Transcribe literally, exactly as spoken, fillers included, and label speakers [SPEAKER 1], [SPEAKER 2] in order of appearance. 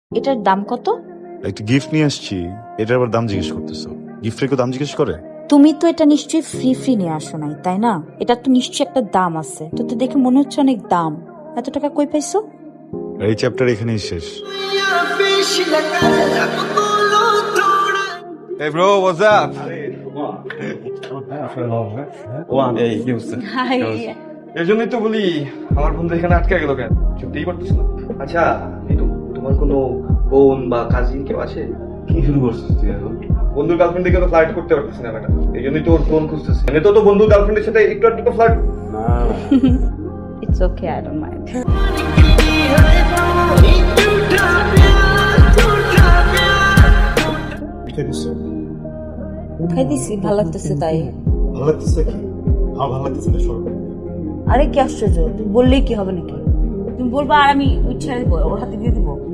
[SPEAKER 1] এটার দাম কত?
[SPEAKER 2] একটা গিফট নিয়ে আসছি, এটার আবার দাম জিজ্ঞেস করতেছো? গিফটের কেউ দাম জিজ্ঞেস করে?
[SPEAKER 1] তুমি তো এটা নিশ্চয়ই ফ্রি ফ্রি নিয়ে আসো নাই, তাই না? এটা তো নিশ্চয়ই একটা দাম আছে, তো তো দেখে মনে হচ্ছে অনেক দাম। এত টাকা কই পাইছো?
[SPEAKER 2] এই চ্যাপ্টার এখানেই শেষ।
[SPEAKER 3] Hey bro, what's up? One এই কি হচ্ছে?
[SPEAKER 1] হাই।
[SPEAKER 3] এর জন্যই তো বলি আমার বন্ধু এখানে আটকে গেল কেন? চুপতেই পারতেছ না।
[SPEAKER 4] আচ্ছা এই তো তোমার কোনো বোন বা কাজিন কেউ আছে?
[SPEAKER 3] কি শুরু করছিস তুই এখন? বন্ধুর গার্লফ্রেন্ড দেখে তো ফ্লার্ট করতে পারতেছি না ম্যাডাম, এই জন্যই তো ওর ফোন খুঁজতেছি। এনে তো তো বন্ধুর গার্লফ্রেন্ডের সাথে একটু একটু তো flirt.
[SPEAKER 1] It's okay, I don't mind. খাই দিছি, ভালো লাগতেছে তাই।
[SPEAKER 2] ভালো লাগতেছে কি? আমার ভালো লাগতেছে না, সর।
[SPEAKER 1] আরে কি আশ্চর্য, তুমি বললেই কি হবে নাকি? তুমি বলবা আর আমি ইচ্ছা ওর হাতে দিয়ে দিবো।